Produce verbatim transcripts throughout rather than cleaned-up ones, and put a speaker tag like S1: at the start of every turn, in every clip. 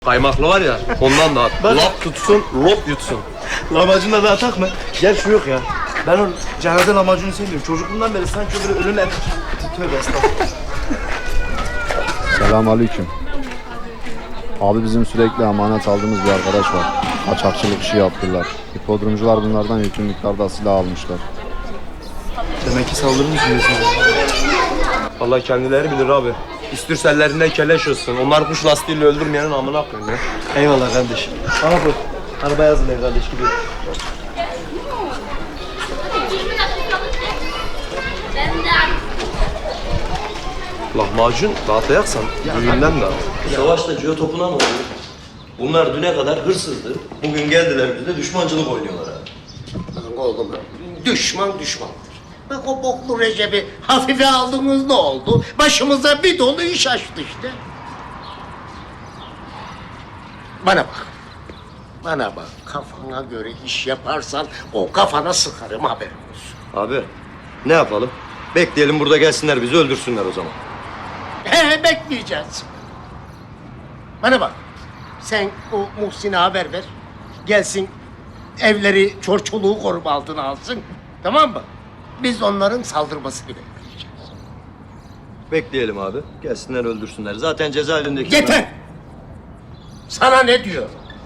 S1: Kaymaklı var ya, ondan da at. Lap tutsun, lop yutsun.
S2: Lahmacunla da atak mı? Gel şu yok ya. Ben o cenaze lahmacunu sevmiyorum. Çocukluğumdan beri sanki böyle ölün et. Tövbe estağfurullah.
S3: Selamünaleyküm. Abi bizim sürekli emanet aldığımız bir arkadaş var. Kaçakçılık işi yaptılar. Hipodromcular bunlardan yüklü miktarda silah almışlar.
S2: Demek ki saldırı mı düşünüyorsun?
S1: Allah kendileri bilir abi. İstürsellerinde keleş olsun. Onlar kuş lastiğiyle öldürmeyenin amına koyayım ya.
S2: Eyvallah kardeşim. Bana bu. Arabaya hazırlayın kardeş gidiyor.
S1: Lahmacun dağıtayaksan düğünden dağıt. Savaşta ciyo topuna ne oluyor? Bunlar düne kadar hırsızdı. Bugün geldiler bize düşmancılık oynuyorlar abi.
S4: Oğlum, düşman düşmandır. Bak o boklu Recep'i hafife aldınız ne oldu? Başımıza bir dolu iş açtı işte. Bana bak. Bana bak. Kafana göre iş yaparsan o kafana sıkarım haberin olsun.
S1: Abi ne yapalım? Bekleyelim burada gelsinler bizi öldürsünler o zaman.
S4: He bekleyeceğiz. Bana bak. Sen o Muhsin'e haber ver. Gelsin evleri çorçoluğu koruma altına alsın. Tamam mı? Biz onların saldırmasını bekleyeceğiz.
S1: Bekleyelim abi. Gelsinler öldürsünler. Zaten cezaevindeki...
S4: Yeter! Sana ne diyor?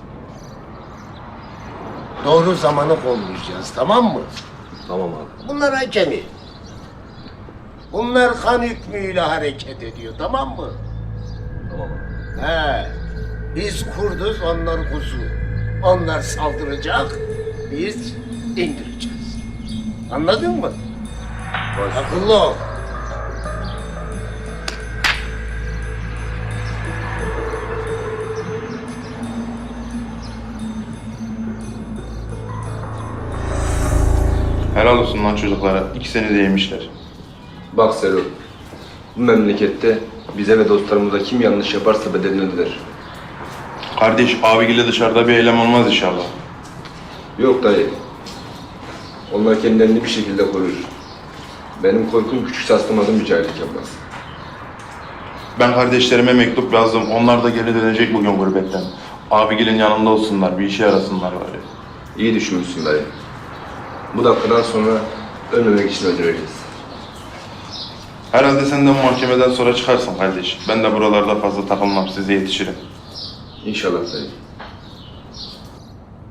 S4: Doğru zamanı kollayacağız, tamam mı?
S1: Tamam abi.
S4: Bunlar acemi. Bunlar kan hükmüyle hareket ediyor, tamam mı?
S1: Tamam abi.
S4: He. Biz kurduz, onlar kuzu. Onlar saldıracak, biz indireceğiz. Anladın mı? Akıllı ol.
S5: Helal olsun lan çocuklara. İkisini de yemişler.
S6: Bak Selo, bu memlekette bize ve dostlarımıza kim yanlış yaparsa bedelini öder.
S5: Kardeş, abiyle dışarıda bir eylem olmaz inşallah.
S6: Yok dayı. Onlar kendilerini bir şekilde korur. Benim korkum küçük saslamadım bir cahillik yapmaz.
S5: Ben kardeşlerime mektup yazdım. Onlar da geri dönecek bugün gurbetten. Abigilin yanında olsunlar, bir işe yarasınlar bari.
S6: İyi düşünmüşsün dayı. Bu dakikadan sonra ölmemek için öldüreceğiz.
S5: Herhalde sen de bu mahkemeden sonra çıkarsın kardeş. Ben de buralarda fazla takılmam, size yetişirim.
S6: İnşallah dayı.